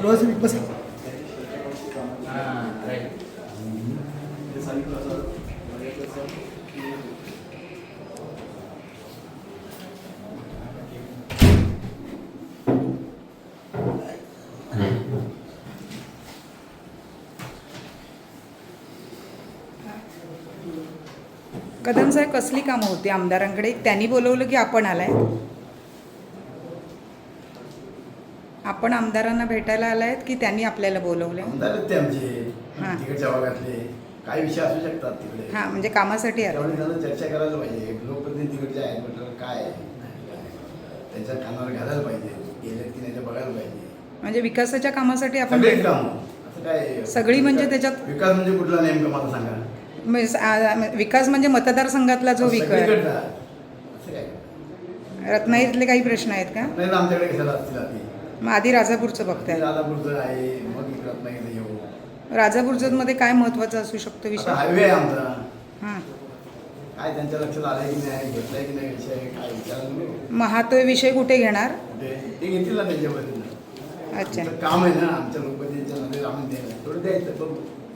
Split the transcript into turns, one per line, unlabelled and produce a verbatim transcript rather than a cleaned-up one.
बस बस
कदम साहेब कसली कामं होती आमदारांकडे? त्यांनी बोलवलं की आपण आलाय? आपण आमदारांना भेटायला आलायत की त्यांनी आपल्याला बोलवलंय?
आमदार आहेत ते आमचे
हां.
तिकडच्या भागातले काही विषय असू शकतात तिकडे.
हां, म्हणजे कामासाठी आले.
त्यामुळे त्यांना चर्चा करायला पाहिजे. लोकप्रतिनिधी तिकडचे आहेत म्हटलं काय आहे? त्यांच्या कानावर घालायला पाहिजे, गेले की नाही ते बघायला पाहिजे.
म्हणजे विकासाच्या कामासाठी आपण
सगळेच काम असं काय
सगळी म्हणजे त्याच्यात
विकास म्हणजे कुठला नेमकं मला सांगा.
म्हणजे आ- विकास म्हणजे मतदारसंघातला जो विकास.
सगळीकडचा असं काय
रत्नागिरीतले काही प्रश्न आहेत का?
नाही ना, आमच्याकडे कशाला असतील आधी
मग आधी राजापूरचं बघताय.
राधापूरचं आहे, मग इकडं नाही येऊ.
राजापूरचं मध्ये काय महत्त्वाचं असू शकतो विषय?
हायवे आहे आमचा,
हां.
काय त्यांच्या लक्षात आलंय की नाही, घेतलाय की नाही विषय, काय विचार
मग हा तो विषय कुठे घेणार?
ते घेतील ना त्यांच्या वतीनं.
अच्छा.
काम आहे ना आमच्या लोकप्रतिनिधीच्या मध्ये आम्ही द्यायला थोडं द्यायचं बघू.